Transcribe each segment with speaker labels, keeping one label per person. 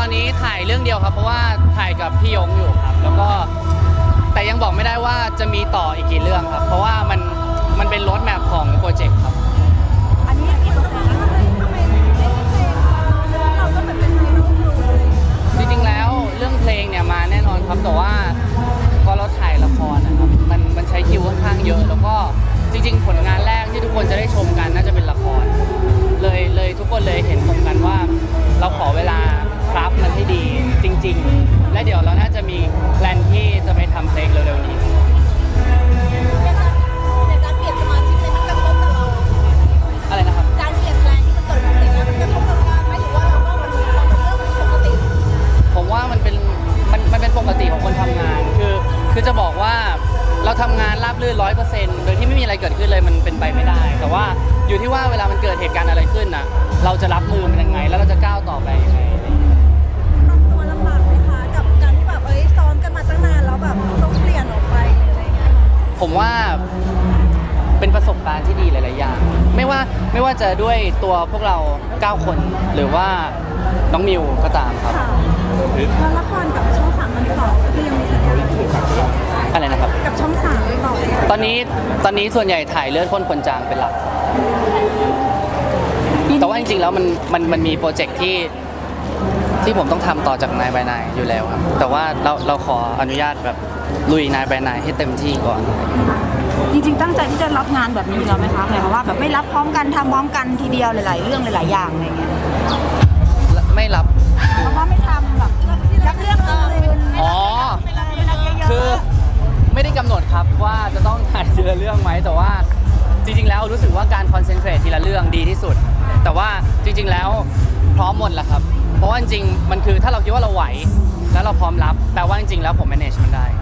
Speaker 1: ตอนนี้ถ่ายเรื่องเดียวครับเพราะว่าถ่ายกับพี่ยงอยู่ครับแล้วก็แต่ยังบอกไม่ได้ว่าจะมีต่ออีกกี่เรื่องครับเพราะว่ามันเป็นโรดแมพของโปรเจกต์ครับ
Speaker 2: อันนี้กี่เปอร์เซ็นต์แล้วทำไมไม่เล่นเพลงเราก็เหมือนเป็นเพลงลูกทุ่งเลย
Speaker 1: จริงๆแล้วเรื่องเพลงเนี่ยมาแน่นอนครับแต่ว่าพอเราถ่ายละครนะครับมันใช้คิวค่อนข้างเยอะแล้วก็จริงๆผลงานแรกที่ทุกคนจะได้ชมกันน่าจะเป็นละครเลยทุกคนเลยเห็นตรงกันว่าเราขอเวลาคราฟมันให้ดีจริงๆและเดี๋ยวเราน่าจะมีแพลนที่จะไปทำเพลงเร็วๆนี้
Speaker 2: ในการเปลี่ยนสมาชิกเลยมันกระทบกับเรา
Speaker 1: อะไรนะครับ
Speaker 2: การเปลี่ยนแปลงที่มันเกิดขึ้นเนี่ยมันกระทบกับงานไหมหรือว่าเราก็มันเป็นเรื่องปกติ
Speaker 1: ผมว่ามันเป็นปกติของคนทำงานคือจะบอกว่าเราทำงานราบรื่น 100% โดยที่ไม่มีอะไรเกิดขึ้นเลยมันเป็นไปไม่ได้แต่ว่าอยู่ที่ว่าเวลามันเกิดเหตุการณ์อะไรขึ้นน่ะเราจะรับมือมันยังไงแล้วเราจะก้าวต่อไปยังไง
Speaker 2: ปรับตัวลำบากไหมคะกับการที่แบบซ้อมกันมาตั้งนานแล้วแบบต้องเปลี่ยนออกไปอะไรเงี้ย
Speaker 1: ผมว่าเป็นประสบการณ์ที่ดีหลายๆอย่างไม่ว่าจะด้วยตัวพวกเรา9คนหรือว่าน้องมิวก็ตามครับ
Speaker 2: แล้วละครกับช่อง3มันต่อคือยังมีสัญญา
Speaker 1: อะไรนะครับ
Speaker 2: กับช่อง3ต่อ
Speaker 1: ตอนนี้ส่วนใหญ่ถ่ายเลือดข้นคนจางเป็นหลักแต่ว่าจริงๆแล้วมันมีโปรเจกต์ที่ผมต้องทำต่อจากนายบายนายอยู่แล้วครับแต่ว่าเราขออนุญาตแบบลุยนายบายนายให้เต็มที่ก่อน
Speaker 3: จริงๆตั้งใจที่จะรับงานแบบนี้อยู่แล้วไหมคะหมายความว่าแบบไม่รับพร้อมกันทำพร้อมกันทีเดียวหลายๆเรื่องหลายๆอย่างอะไรเงี้ย
Speaker 1: ไม่รับ
Speaker 3: เพราะว่าไม่ทำแบบรักเรื่องอื่น
Speaker 1: อ๋อคือไม่ได้กำหนดครับว่าจะต้องถ่ายทีละเรื่องไหมแต่ว่าจริงๆแล้วรู้สึกว่าการคอนเซนเทรตทีละเรื่องดีที่สุดแต่ว่าจริงๆแล้วพร้อมหมดแหละครับเพราะว่าจริงๆมันคือถ้าเราคิดว่าเราไหวแล้วเราพร้อมรับแปลว่าจริงๆแล้วผม manage มันได้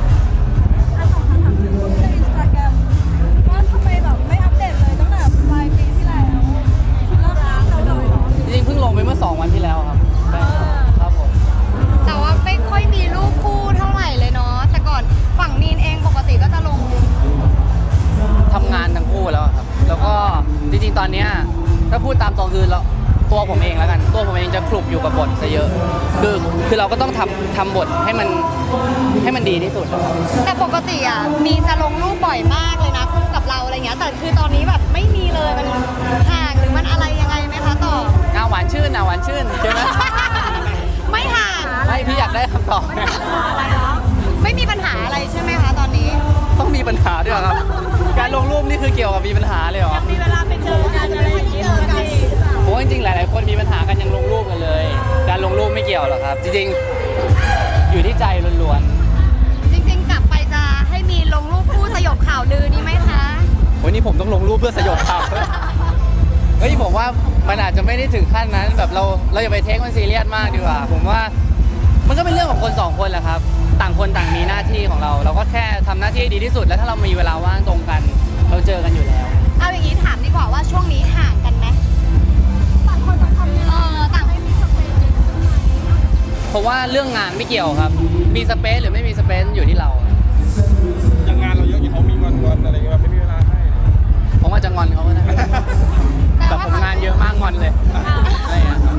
Speaker 2: Instagram ว่าทำไมแบบไม่อัปเดตเลยตั้งแต่ปลายปีที่แล้วเลิกร้างเราเลยเหรอ
Speaker 1: จริงๆเพิ่งลงไปเมื่อ2 วันที่แล้วครับครับผม
Speaker 4: แต่ว่าไม่ค่อยมีรูปคู่เท่าไหร่เลยเนาะแต่ก่อนฝั่งนีนเองปกติก็จะลง
Speaker 1: ทำงานทั้งคู่แล้วครับแล้วก็จริงๆตอนนี้ถ้าพูดตามตรงคือตัวผมเองแล้วกันตัวผมเองจะคลุกอยู่กับบทซะเยอะคือเราก็ต้องทำบทให้มันดีที่สุด
Speaker 4: แต่ปกติอ่ะมีจะลงรูปบ่อยมากเลยนะคู่กับเราอะไรเงี้ยแต่คือตอนนี้แบบไม่มีเลยมันห่างหรือมันอะไรยังไงไหมคะต่อ
Speaker 1: หวานชื่นใช่ไหม
Speaker 4: ไม่ห่าง
Speaker 1: ไม่พี่อยากได้คำตอบ
Speaker 4: ไม่มีปัญหาอะไรใช่ไหมคะตอนนี้
Speaker 1: ต้องมีปัญหาด้วยครับการลงรูปนี่คือเกี่ยวกับมีปัญหาเลยเหรอ
Speaker 2: มีเวลาไปเจอกันอะไรอย่างเงี้ย
Speaker 1: โอ้จริงๆหลายๆคนมีปัญหากันยังลงรูปกันเลยการลงรูปไม่เกี่ยวหรอกครับจริงๆอยู่ที่ใจล้วน
Speaker 4: ๆจริงๆกลับไปจะให้มีลงรูปคู่สยบข่าวลือนี่ไหมคะ
Speaker 1: วันนี้ผมต้องลงรูปเพื่อสยบข่าวเฮ้ยผมว่ามันอาจจะไม่ได้ถึงขั้นนั้นแบบเราอย่าไปเทคมันซีเรียสมากดีกว่าผมว่ามันก็เป็นเรื่องของคน2 คนแหละครับต่างคนต่างมีหน้าที่ของเราก็แค่ทำหน้าที่ดีที่สุดแล้วถ้าเรามีเวลาว่างตรงกันเราเจอกันอยู่แล้ว
Speaker 4: เอาอย่างนี้ถามดีกว่าว่าช่วงนี้ห่างกันไหม
Speaker 2: ต่างคนต่างทำงาน
Speaker 4: ต่างไม่มีสเปซ
Speaker 1: เพราะว่าเรื่องงานไม่เกี่ยวครับมีสเปซหรือไม่มีสเปซอยู่ที่เรา
Speaker 5: อย่างงานเราเยอะที่เขามีงอนอะไรเงี้ยไม่มีเวลาให้
Speaker 1: ผมอาจจะงอนเขาก็ได้แต่ผมงานเยอะมากงอนเลยอะไรอย่างเงี้ย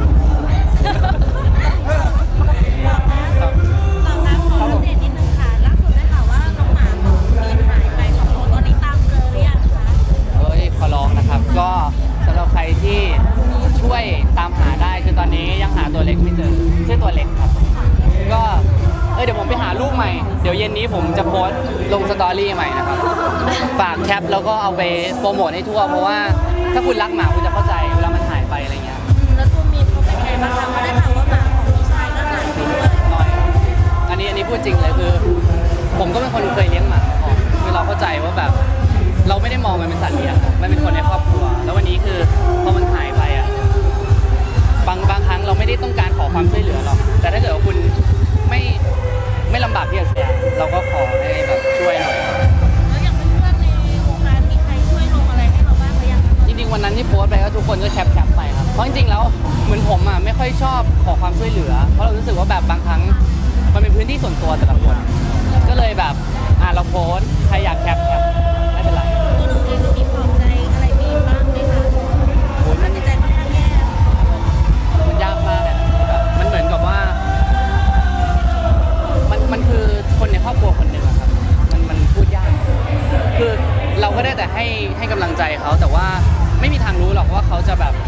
Speaker 2: ขออัปเดตนิดนึงค่ะล่าสุดได้ข่าวว่าน้องหมาของมีนหายไป2 ตัวตอนนี้ตามเจอหรือยังคะ
Speaker 1: ขอร้องนะครับก็สำหรับใครที่ช่วยตามหาได้คือตอนนี้ยังหาตัวเล็กไม่เจอชื่อตัวเล็กครับก็เดี๋ยวผมไปหาลูกใหม่เดี๋ยวเย็นนี้ผมจะโพสต์ลงสตอรี่ใหม่นะครับฝากแคปแล้วก็เอาไปโปรโมทให้ทั่วเพราะว่าถ้าคุณรักหมาคุณจะเข้าใจเวลามันหายไปอะไรเงี้ย
Speaker 2: แล้วตัวมีนเขาเป็นไงบ้างคะเขาได้ข่าวว่าหมาของพี่ชายก็หายไปด้วย
Speaker 1: น้อยอันนี้พูดจริงเลยคือผมก็เป็นคนเคยเลี้ยงหมาก่อนคือเราเข้าใจว่าแบบเราไม่ได้มองมันเป็นสัตว์เลี้ยงมันเป็นคนในครอบครัวแล้ววันนี้คือพอมันหายไปอ่ะบางครั้งเราไม่ได้ต้องการขอความช่วยเหลือหรอกแต่ถ้าเกิดว่าคุณไม่ลำบากที่จะเสียเราก็ขอให้แบบช่วยหน่อย
Speaker 2: แล้วอย่างเพื่อนๆในวงการมีใครช่วยลงอะไรให้เราบ้างหรือยัง
Speaker 1: จริงๆวันนั้นที่โพสต์ไปก็ทุกคนก็แคปไปครับเพราะจริงๆแล้วเหมือนผมอ่ะไม่ค่อยชอบขอความช่วยเหลือเพราะเรารู้สึกว่าแบบบางครั้งมันเป็นพื้นที่ส่วนตัวแต่ละคนก็เลยแบบเราโพสต์ใครอยากแคปไม่เป็นไร
Speaker 2: ตัวหนูเองมีปลอบใจอะไรมีบ้างไหมคะโอ้ยมันใจค่อนข้างแย่
Speaker 1: มันยากมากเลยแบบมันเหมือนกับว่าจะแบบ